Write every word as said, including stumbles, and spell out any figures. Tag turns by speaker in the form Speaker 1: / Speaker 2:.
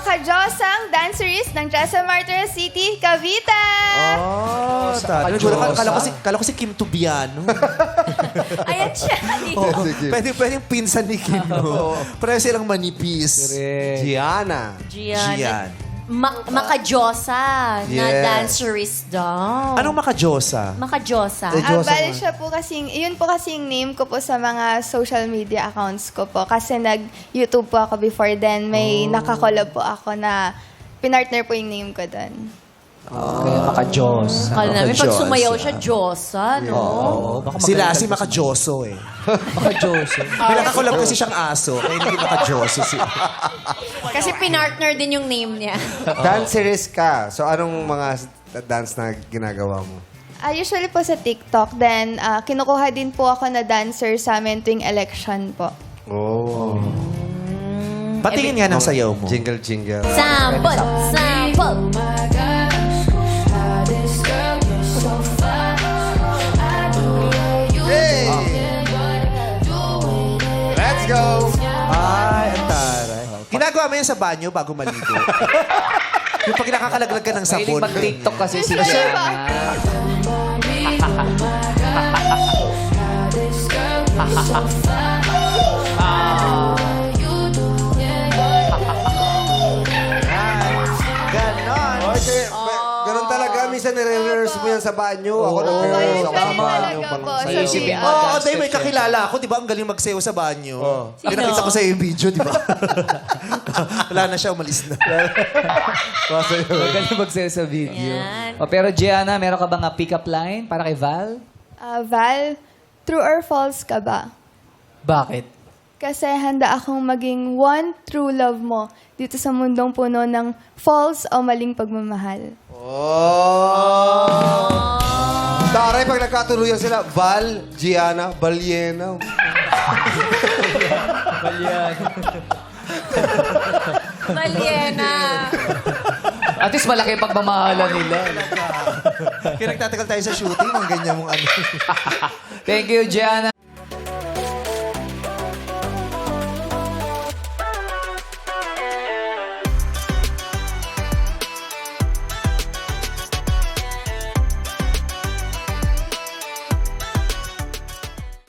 Speaker 1: makajosang dancerist ng Jessa Martires City, Cavite.
Speaker 2: Oh, tara.
Speaker 3: Diyosa.
Speaker 2: Kala ko si, kala ko si Kim Tubiano.
Speaker 1: Ayan siya.
Speaker 2: Oo,
Speaker 3: Sige.
Speaker 2: pwede, pwede yung pinsan ni Kim. No? Pareho silang manipis.
Speaker 3: Gianna.
Speaker 4: Gian.
Speaker 2: Gian.
Speaker 4: Ma- makajosa na
Speaker 3: Yes.
Speaker 4: dancerist daw.
Speaker 2: Anong makajosa?
Speaker 4: Makajosa?
Speaker 3: Eh,
Speaker 1: Ah,
Speaker 3: Diyosa
Speaker 1: bali
Speaker 3: nga.
Speaker 1: siya po kasing, yun po kasing name ko po sa mga social media accounts ko po. Kasi nag-YouTube po ako before then. May nakakolab po ako na pinartner po yung name ko doon.
Speaker 5: Kaya maka-Diyos.
Speaker 4: Kala namin pag
Speaker 2: Makajosa.
Speaker 4: sumayaw siya, Diyosa, no?
Speaker 5: Oo, baka
Speaker 2: Sila si
Speaker 5: magkalitan
Speaker 2: makajoso eh.
Speaker 5: Maka-Diyos. eh.
Speaker 2: May nakakulab kasi siyang aso, kaya hindi makajoso si...
Speaker 4: Kasi pinartner din yung name niya.
Speaker 3: Dancerist ka. So, anong mga dance na ginagawa mo?
Speaker 1: Ah, usually po sa TikTok. Then, ah, kinukuha din po ako na dancer sa amin tuwing election po.
Speaker 3: Oh.
Speaker 2: Patingin nga ng sayaw mo.
Speaker 3: Jingle, jingle.
Speaker 4: Sample! Sample!
Speaker 3: Hey! Let's go!
Speaker 2: Ay, ang taray. Ginagawa mo yan sa banyo bago maligo. Yung pag nakakalaglag ka ng
Speaker 5: Mahilig
Speaker 2: sabon.
Speaker 5: mag-TikTok kasi si
Speaker 1: Usually
Speaker 5: Gianna.
Speaker 1: ba?
Speaker 2: Ganon.
Speaker 3: Okay, ganun talaga. Minsan nire-rehearse mo yan sa banyo. Ako nag-rehearse ako sa
Speaker 1: Usually
Speaker 3: banyo.
Speaker 1: talaga po.
Speaker 5: Sa
Speaker 1: Sa
Speaker 5: isipin
Speaker 1: C
Speaker 5: mo.
Speaker 1: R.
Speaker 2: Oo, oh, may kakilala ako, di ba? Ang galing magsayaw sa banyo.
Speaker 3: Oh.
Speaker 2: Pinakita ko sa iyo yung video, di ba? Wala na siya, umalis na.
Speaker 5: Magaling magsayo sa video.
Speaker 4: Yan.
Speaker 5: O, pero Gianna, meron ka bang nga pick-up line para kay Val?
Speaker 1: Ah, Val, true or false ka ba?
Speaker 5: Bakit?
Speaker 1: Kasi handa akong maging one true love mo dito sa mundong puno ng false o maling pagmamahal.
Speaker 3: Oh! Taray, pag nagkatuluyan sila, Val, Gianna, Balyena.
Speaker 4: Maliena!
Speaker 5: At least malaki ang pagmamahalan nila.
Speaker 2: Kaya nagtatagal tayo sa shooting, ang ganyan mong ano.
Speaker 5: Thank you, Gianna.